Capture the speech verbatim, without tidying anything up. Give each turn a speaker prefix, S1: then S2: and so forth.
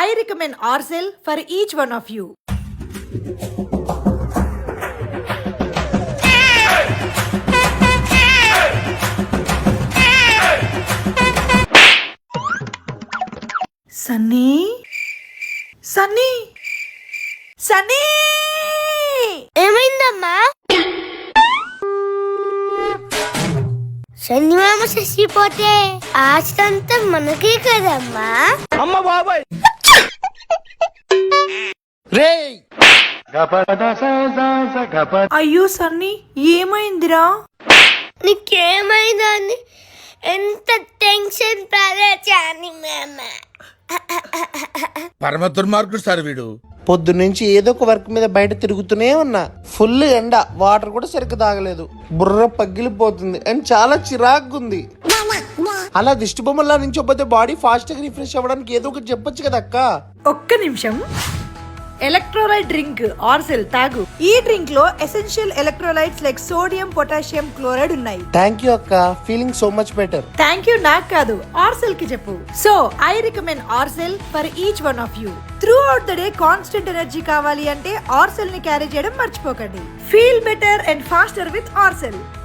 S1: I recommend Orcel for each one of you. Sunny? Sunny? Sunny!
S2: ఏమైందమ్మా? శనివారం చచ్చిపోతే ఆస్తంతా మనకే కదమ్మా.
S3: అమ్మ బాబాయ్ రేయ్
S1: అయ్యో సన్నీ ఏమైందిరా?
S2: నీకేమైందని ఎంత టెన్షన్ పడచాని మామ.
S4: పరమ దుర్మార్గుడు సార్ వీడు.
S3: పొద్దున్నుంచి ఏదో ఒక వర్క్ మీద బయట తిరుగుతూనే ఉన్నా. ఫుల్ ఎండ, వాటర్ కూడా సరిగ్గా తాగలేదు. బుర్ర పగిలిపోతుంది అండ్ చాలా చిరాగ్గుంది. అలా దిష్టి బొమ్మలా నుంచోపోతే బాడీ ఫాస్ట్ గా రిఫ్రెష్ అవ్వడానికి ఏదో ఒకటి చెప్పొచ్చు కదా అక్క.
S1: ఒక్క నిమిషం. ఎలక్ట్రోలైట్ డ్రింక్ ఆర్సెల్ తాగు. ఈ డ్రింక్ లో essential electrolytes like sodium, potassium, chloride ఉన్నాయి.
S3: థ్యాంక్ యూ అక్క, feeling so much better.
S1: Thank you నాకు కాదు, ఆర్సెల్ కి చెప్పు. So I recommend ORSL for each one of you. Throughout the day constant energy కావాలి అంటే ORSL ని carry చేయడం మర్చిపోకండి. Feel better and faster with ఆర్సెల్.